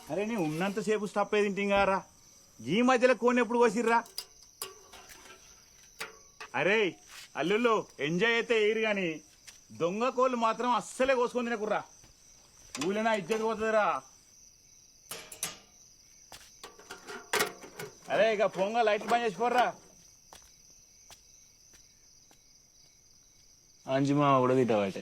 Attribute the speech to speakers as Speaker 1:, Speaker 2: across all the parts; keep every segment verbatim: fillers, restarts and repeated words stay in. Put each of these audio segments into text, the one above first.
Speaker 1: అరే నీ ఉన్నంతసేపు స్టప్ అయి తింటింగారా ఈ మధ్యలో కోని ఎప్పుడు కోసిర్రా? అరే అల్లుళ్ళు ఎంజాయ్ అయితే ఎయిరు గాని దొంగ కోళ్ళు మాత్రం అస్సలే కోసుకొని తినకుర్రా. ఊళ్ళైనా ఇజ్జత్ పోతుందిరా. అరే ఇక పొంగ లైట్లు బంద్ చేసిపోర్రా.
Speaker 2: అంజుమా కూడా తింటావటే.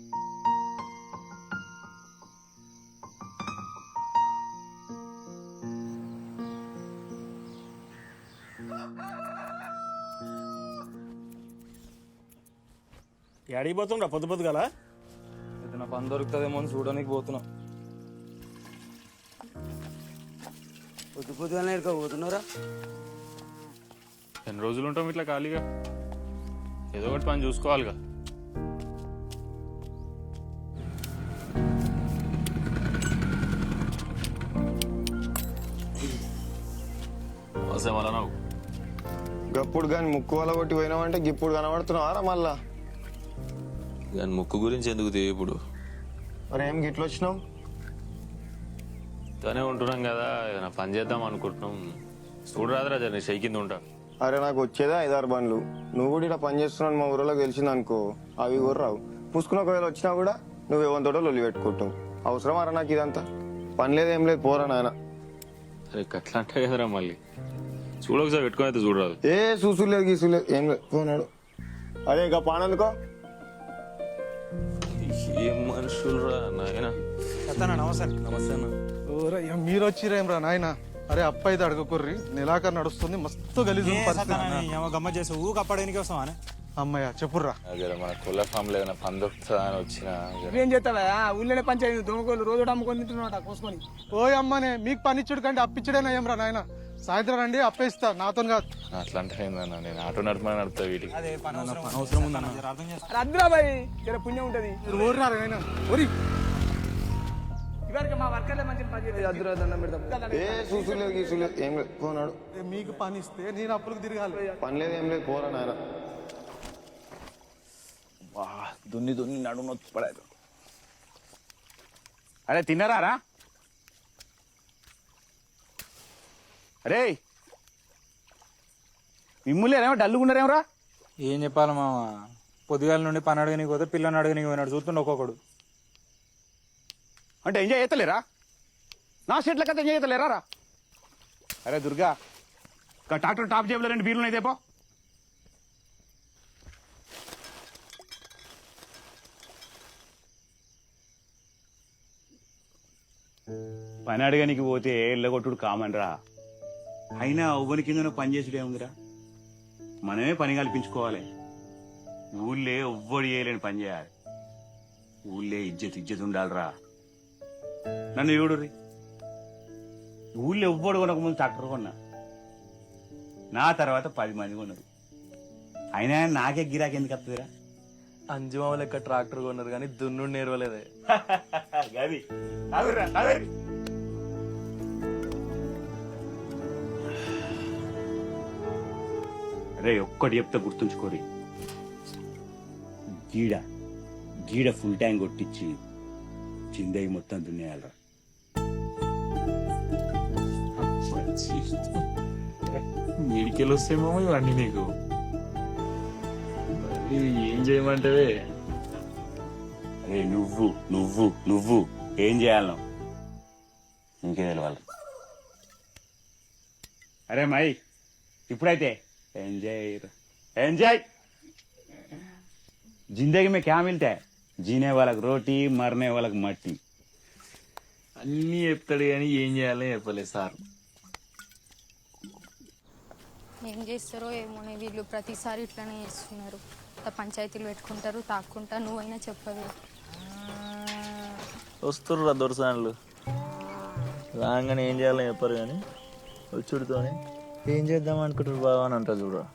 Speaker 3: ఎడికి పోతుండ్రా పొద్దు పొద్దు గల?
Speaker 2: ఏదైనా పని దొరుకుతుందేమో అని చూడడానికి పోతున్నా.
Speaker 4: పొద్దు పొద్దుగానే ఇరుక పోతున్నారా?
Speaker 2: ఎన్ని రోజులు ఉంటాం ఇట్లా ఖాళీగా? ఏదో ఒకటి పని చూసుకోవాలిగా. వస్తే మళ్ళా నాకు
Speaker 5: గప్పుడు కానీ ముక్కు వల్ల కొట్టి పోయినామంటే గిప్పుడు కనబడుతున్నావారా మళ్ళా?
Speaker 6: కానీ ముక్కు గురించి ఎందుకు తె ఇప్పుడు?
Speaker 5: మరి ఏం గిట్లు వచ్చినావు?
Speaker 6: తనే ఉంటున్నాం కదా, ఏదైనా పని చేద్దాం అనుకుంటున్నాం. చూడరాదురా జర షై కింద ఉంటా.
Speaker 5: అరే నాకు వచ్చేదే ఐదారు బండ్లు. నువ్వు కూడా ఇలా పని చేస్తున్నావు మా ఊరిలో తెలిసింది అనుకో, అవి కూడా రావు. పుసుకుని ఒకవేళ వచ్చినా కూడా నువ్వు ఏమంతోటో లొల్లి పెట్టుకుంటావు. అవసరం అరా నాకు ఇదంతా? పని లేదు ఏం లేదు, పోరా నాయన.
Speaker 6: అరే అట్లా అంటే కదరా మళ్ళీ. చూడ ఒకసారి పెట్టుకుని అయితే చూడరాదు.
Speaker 5: ఏ చూసు లేదు గీసు లేదు ఏం లేదు, పోనాడు. అదే ఇక పానందుకో.
Speaker 6: ఏం మనుషులు రా నాయన.
Speaker 3: నమస్తే
Speaker 2: నమస్తే అన్న.
Speaker 7: ఓరయ్య మీరు వచ్చిరేమ్రా నాయన. అరే అప్ప అయితే అడగకుర్రి, నెలాఖరు నడుస్తుంది, మస్తు గలీజు
Speaker 3: గమ్మ చేసి ఊకి అప్పడానికి వస్తామా?
Speaker 7: అమ్మయ్య చెప్పుర్రా.
Speaker 6: జర మన కొల్ల ఫామ్ లో ఏదైనా పని దొరుకుతుందా అని వచ్చిన.
Speaker 4: ఏం చేస్తావా? ఊళ్ళోనే పంచాయతీ దొంగకోళ్ళు రోజు అమ్ముకొని తింటున్నాట కోసుకొని.
Speaker 7: ఓయ్ అమ్మనే, మీకు పనిచ్చుడు కంటే అప్పిచ్చుడేనా ఏమ్రా నాయన? సాయంత్రం రండి అప్పేస్తా, నాతో కాదు.
Speaker 6: అట్లా అంటే ఏందన్నా, నేను ఆటో నడపమని నడుపుతా వీటికి.
Speaker 2: అవసరం ఉందన్న.
Speaker 4: అద్దురా బాయ్, జర పుణ్యం ఉంటది.
Speaker 7: ఊర్రారు నాయన ఊరి.
Speaker 4: ఇవరికి మా వర్కర్లే మంచి పని చేయాలి. అద్దురా దండం పెడతాం.
Speaker 5: ఏ చూసు లేదు గీసు లేదు ఏం లేదు, పోనాడు.
Speaker 7: మీకు పని ఇస్తే నేను అప్పులకు తిరగాలి.
Speaker 5: పని లేదు ఏం లేదు, పోరా నాయన.
Speaker 1: దున్ని దున్ని నడుము నొచ్చి పడేది. అరే తిన్నారా? అరే మిమ్ములేరేమో డల్లుగున్నారేమరా?
Speaker 2: ఏం చెప్పాలి మామ, పొద్దుగాల నుండి పని అడగనికి పోతే పిల్లని అడగనికి పోయినాడు. చూస్తుండే ఒక్కొక్కడు.
Speaker 1: అంటే ఎంజాయ్ చేస్తలేరా? నా సెట్ల కథ ఎంజాయ్ చేస్తలేరా రా? అరే దుర్గా, ట్రాక్టర్ టాప్ జేబులో రెండు బీర్లు అయితే పో. పని అడగనికి పోతే ఎల్లగొట్టుడు కామన్ రా. అయినా ఎవ్వరి కింద పని చేసుడే ఉందిరా. మనమే పని కల్పించుకోవాలి. ఊళ్ళే ఎవ్వడు చేయలేని పని చేయాలి. ఊళ్ళే ఇజ్జత్ ఇజ్జత్ ఉండాలిరా. నన్ను చూడుర్రి, ఊళ్ళో ఎవ్వడు కొనక ముందు ట్రాక్టర్ కొన్నా, నా తర్వాత పది మంది కొన్నారు. అయినా నాకే గిరాకి ఎందుకు వస్తుందిరా?
Speaker 2: అంజుమా లెక్క ట్రాక్టర్ కొన్నారు కానీ దున్నుడు నేర్వలేదే.
Speaker 1: గది అవురా అదే. రే ఒక్కటి చెప్తే గుర్తుంచుకోరి, గీడ గీడ ఫుల్ ట్యాంక్ కొట్టించి చిందయి మొత్తం దున్నేయాలరా.
Speaker 2: మీడికెళ్ళి వస్తేమో ఇవన్నీ నీకు. ఏం చేయమంటావే?
Speaker 1: అరే నువ్వు నువ్వు నువ్వు ఏం చేయాలను ఇంకే తెలవాలి. అరే మై ఇప్పుడైతే ఎంజాయ్ ఎంజాయ్. जिंदगी में क्या मिलता है? जीने वाला रोटी, मरने वाला मट्टी.
Speaker 2: అన్నీ చెప్తాడు కానీ ఏం చేయాలో చెప్పలేదు సార్.
Speaker 8: ఏం చేస్తారో ఏమోనే, వీళ్ళు ప్రతిసారి ఇట్లానే చేస్తున్నారు. పంచాయతీలు పెట్టుకుంటారు, తాక్కుంటా. నువ్వైనా చెప్పదు.
Speaker 9: వస్తుర్రా దొరసాన్లు రాగానే ఏం చేయాలని చెప్పారు కానీ వచ్చుడితోనే ఏం చేద్దాం అనుకుంటారు బాగా అని అంటారు చూడరా.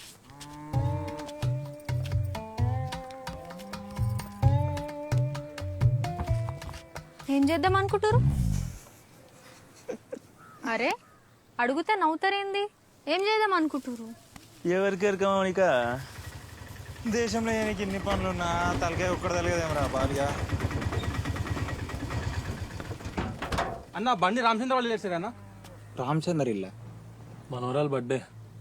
Speaker 8: ఏం చేద్దాం అనుకుంటారు? అరే అడుగుతే నవ్వుతారేంది? ఏం చేద్దాం అనుకుంటారు?
Speaker 9: ఎవరికి ఎరకమానిక
Speaker 3: దేశంలో నీకు ఇన్ని పనులున్నా తలకాయ ఒక్కడ తలగదేమరా బాలిగా. అన్న బండి రామచంద్ర వాళ్ళు చేశారు అన్న.
Speaker 2: రామచందర్ ఇల్ల
Speaker 3: మనోరాలు బర్త్డే.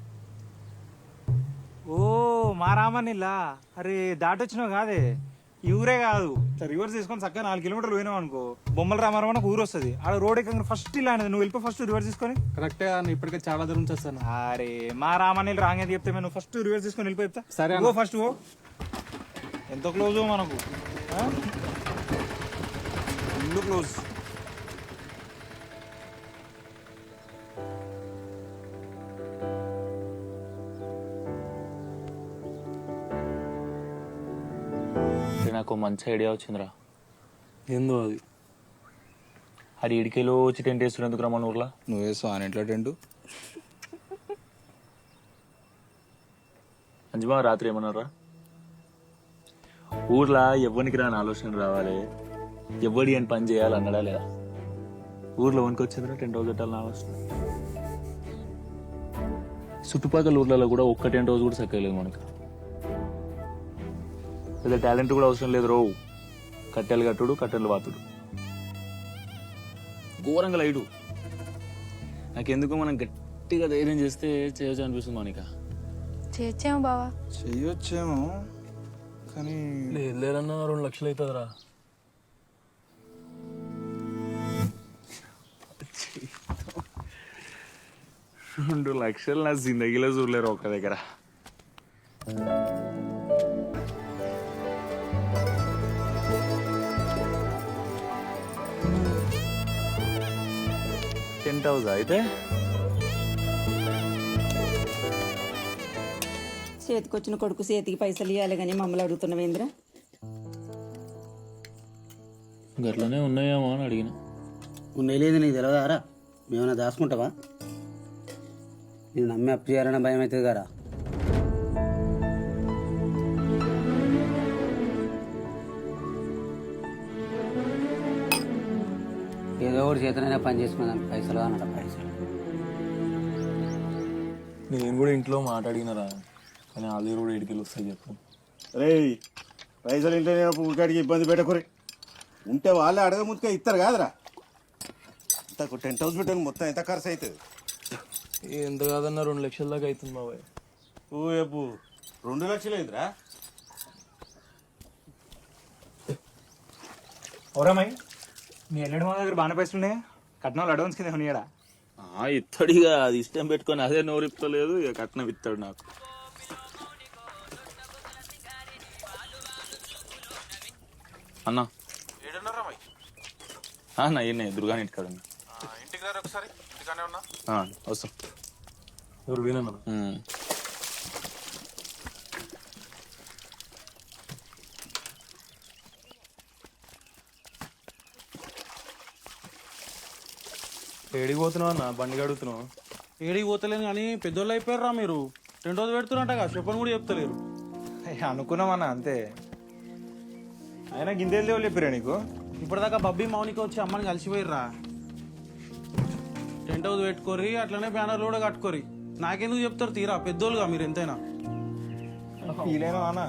Speaker 2: ఓ మా రామన్నిల్లా. అరే దాటొచ్చినావు కాదే, ఈ ఊరే కాదు. రివర్స్ తీసుకొని చక్కగా నాలుగు కిలోమీటర్లు పోయినావు అనుకో, బొమ్మల రామారావు ఒక ఊరు వస్తుంది. ఆ రోడ్ ఎక్కడ ఫస్ట్ ఇలా అనేది, నువ్వు వెళ్ళిపో ఫస్ట్ రివర్స్ తీసుకొని.
Speaker 3: కరెక్టే అన్న, ఇప్పటికే చాలా దూరం చేస్తాను.
Speaker 2: అరే మా రామన్నీళ్ళు రాంగ్ అని చెప్తే నువ్వు ఫస్ట్ రివర్స్ తీసుకొని వెళ్ళిపో చెప్తా.
Speaker 3: సరే
Speaker 2: ఓ ఫస్ట్ ఓ. ఎంత క్లోజ్ మనకు, ఫుల్ క్లోజ్.
Speaker 6: నాకు మంచి ఐడియా వచ్చిందిరా.
Speaker 3: ఏందో అది?
Speaker 6: అది ఇడికేలో వచ్చి టెంట్ వేస్తుడు ఎందుకు రమ్మని ఊర్లో?
Speaker 2: నువ్వు వేస్తావు అని ఇంట్లో టెంటు.
Speaker 6: అంజమా రాత్రి ఏమన్నారా? ఊర్లో ఎవ్వనికి రాని ఆలోచన రావాలి, ఎవ్వడి అని పని చేయాలి అన్నాడా లేదా? ఊర్లో వనికి వచ్చిందిరా టెంట్ హౌస్ పెట్టాలని ఆలోచన. చుట్టుపక్కల ఊర్లలో కూడా ఒక్క టెంట్ హౌస్ కూడా సక్కలేదు మనకు. పెద్ద టాలెంట్ కూడా అవసరం లేదు రో. కట్టెలు కట్టుడు, కట్టెలు వాతుడు, ఘోరంగా లైడు. నాకెందుకు మనం గట్టిగా ధైర్యం చేస్తే చేయొచ్చు అనిపిస్తుంది మౌనిక.
Speaker 8: చేర్చాము బావా.
Speaker 2: చెయ్యొచ్చేమో కానీ
Speaker 3: లేదు లేదన్నా రెండు లక్షలు అవుతుందిరా.
Speaker 6: రెండు లక్షలు నా జిందగీలో చూడలేరు ఒక్క దగ్గర. టెంట్ హౌస్ అయితే
Speaker 10: చేతికొచ్చిన కొడుకు చేతికి పైసలు ఇవ్వాలి కానీ మమ్మల్ని అడుగుతున్నావేంద్రా?
Speaker 6: గట్లనే ఉన్నాయేమో అని అడిగిన.
Speaker 11: ఉన్నాయి లేదు నీకు తెలియదారా? మేమన్నా దాచుకుంటావా? నేను నమ్మి అప్పు చేయాలన్న భయం అవుతుంది కదా. ఏదో ఒకటి చేతనైనా పని చేసుకుందాం, పైసలు అన్నట పైసలు.
Speaker 3: నేను కూడా ఇంట్లో మాట్లాడినారా, కానీ వాళ్ళ కూడా ఇడికెళ్ళి వస్తాయి చెప్పు.
Speaker 1: రే పైసలు ఇంట్లో ఊరికాడికి ఇబ్బంది పెట్టకూరి. ఉంటే వాళ్ళే అడగ ముందుగా ఇస్తారు కాదురా. ఇంత టెంట్ హౌస్ పెట్టాను మొత్తం ఎంత ఖర్చు అవుతుంది?
Speaker 3: ఎంత కాదన్నా రెండు లక్షల దాకా అవుతుంది బాబాయ్.
Speaker 1: ఓ ఎప్పు రెండు లక్షలు అయిందిరా.
Speaker 2: ఓరామయ్య, మీ ఎల్లడి మా దగ్గర బాగానే పైసలు ఉన్నాయా? కట్నాలు అడ్వాన్స్ కింద ఉన్నాయడా?
Speaker 6: ఇత్తడిగా అది ఇష్టం పెట్టుకొని అదే నోరిప్పలేదు, ఇక కట్నం ఇస్తాడు నాకు. అన్నా అన్న ఈయన దుర్గాని ఇంటికాడ ఉన్నా.
Speaker 7: ఇంటికి రారు ఒకసారి, ఇంటికానే ఉన్నా.
Speaker 6: వస్తాం.
Speaker 3: ఎవరు వినన్నా? ఏడికి పోతున్నావు అన్న? బండి అడుగుతున్నావు.
Speaker 12: ఏడికి పోతలేను కానీ పెద్దోళ్ళు అయిపోయారా మీరు. రెండు రోజులు పెడుతున్నట్టగా చెప్పని కూడా చెప్తలేరు.
Speaker 2: అనుకున్నామన్నా అంతే. అయినా గిందేలు దేవుళ్ళు చెప్పారా నీకు?
Speaker 12: ఇప్పటిదాకా బబ్బీ మౌనిక వచ్చి అమ్మని కలిసిపోయిర్రా. టెంట్ హౌస్ పెట్టుకోరి, అట్లనే బ్యానర్లు కూడా కట్టుకోరి. నాకెందుకు చెప్తారు తీరా, పెద్దోళ్ళుగా మీరు ఎంతైనా.
Speaker 2: ఫీలైనా అన్న,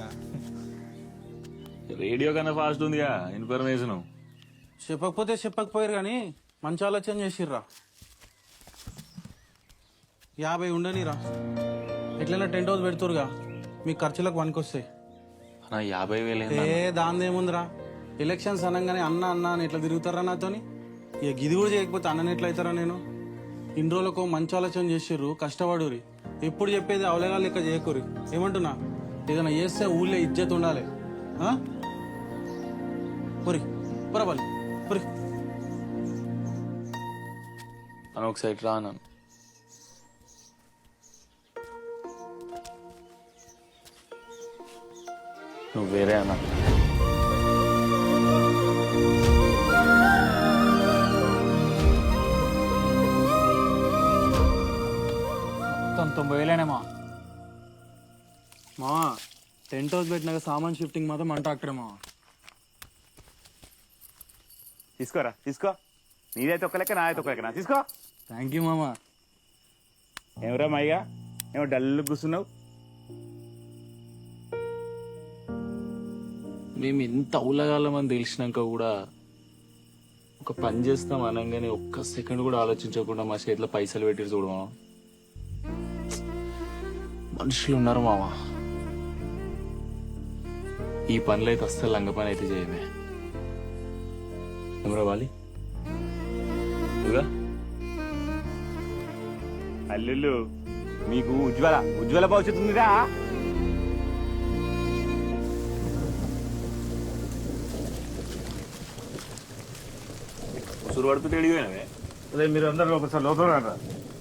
Speaker 6: రేడియో కన్నా ఫాస్ట్ ఉందిగా ఇన్ఫర్మేషన్.
Speaker 12: చెప్పకపోతే చెప్పకపోయారు కానీ మంచి ఆలోచన చేసిర్రా. యాభై ఉండనిరా, ఎట్లైనా టెంట్ హౌస్ పెడుతురుగా, మీ ఖర్చులకు పనికొస్తాయి.
Speaker 6: యాభై వేలు
Speaker 12: ఏ దాని ఏముందిరా, ఎలక్షన్స్ అనగానే అన్న అన్న అని ఎట్లా తిరుగుతారా నాతోని. ఇక గిది కూడా చేయకపోతే అన్నని ఎట్లా అవుతారా నేను? ఇన్ని రోజులకు మంచి ఆలోచన చేసిర్రు, కష్టపడురి. ఎప్పుడు చెప్పేది అవలేగా లెక్క చేయకూరి. ఏమంటున్నా, ఏదైనా చేస్తే ఊళ్ళో ఇజ్జత్ ఉండాలి. పురి పురబాలి పురి
Speaker 6: అని ఒకసారి రా అన్నాను. నువ్వు వేరే అన్నా.
Speaker 2: మొత్తం తొంభై వేలేనేమా?
Speaker 12: మా టెంట్ హౌస్ పెట్టినాక సామాన్ షిఫ్టింగ్ మాత్రం మంట అక్కడేమా.
Speaker 1: తీసుకోరా తీసుకో. నీదైతే ఒక లెక్క, నాదైతే ఒక లెక్క. నా తీసుకో.
Speaker 12: థ్యాంక్ యూ మామా.
Speaker 1: ఏమరా మైగా, ఏమో డల్ కూర్చున్నావు?
Speaker 6: మేము ఎంత ఊళ్ళగాలమని తెలిసినాక కూడా ఒక పని చేస్తాం అనగానే ఒక్క సెకండ్ కూడా ఆలోచించకుండా మా చేతిలో పైసలు పెట్టి చూడమా. మనుషులు ఉన్నారు మామ. ఈ పనులు అయితే అస్సలు లంగ పని అయితే చేయమే. ఏమరా వాలి ఇదిగా
Speaker 1: అల్లుళ్ళు మీకు ఉజ్వల ఉజ్వల భవిష్యత్తు ఉందిరా.
Speaker 6: ఉసురు పడుతుంటే అడిగిపోయినవే.
Speaker 1: అదే మీరు అందరూ ఒకసారి లోపల రా.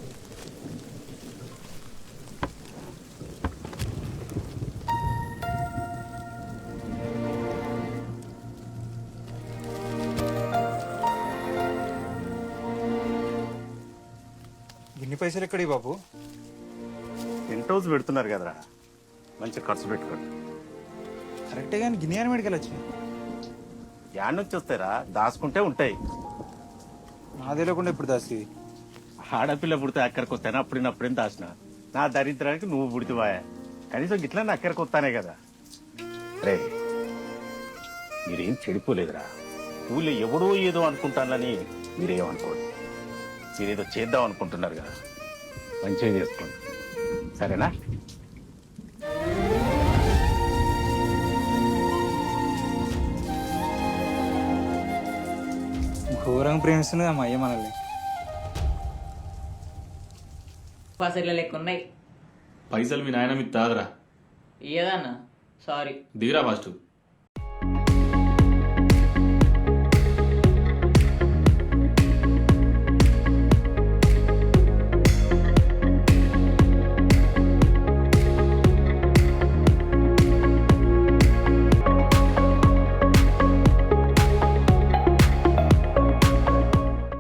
Speaker 2: ఇన్ని పైసలు ఎక్కడి బాబు?
Speaker 1: టెంట్ హౌస్ పెడుతున్నారు కదరా, మంచిగా ఖర్చు పెట్టుకోండి.
Speaker 2: కరెక్టే కానీ గిన్నె మెడికల్ వచ్చినాయి.
Speaker 1: యాడ్ నుంచి వస్తాయిరా, దాచుకుంటే ఉంటాయి.
Speaker 2: నా తెలియకుండా ఇప్పుడు దాసి
Speaker 1: ఆడపిల్ల పుడితే అక్కడికి వస్తాను, అప్పుడినప్పుడేం దాచిన. నా దరిద్రానికి నువ్వు పుడితివాయా, కనీసం గిట్లా నా అక్కడికి వస్తానే కదా. రే మీరేం చెడిపోలేదురా. ఊళ్ళో ఎవడో ఏదో అనుకుంటానని మీరేమనుకోండి. మీరేదో చేద్దాం అనుకుంటున్నారు కదా, మంచిగా చేసుకోండి సరేనా.
Speaker 2: ఘోరంగా ప్రేమిస్తుంది అమ్మ అయ్య మనల్ని.
Speaker 13: పైసలు లెక్క ఉన్నాయి.
Speaker 6: పైసలు మీ నాయన మీకు తాగరా.
Speaker 13: ఏదన్నా సారీ
Speaker 6: దిగిరా ఫస్ట్.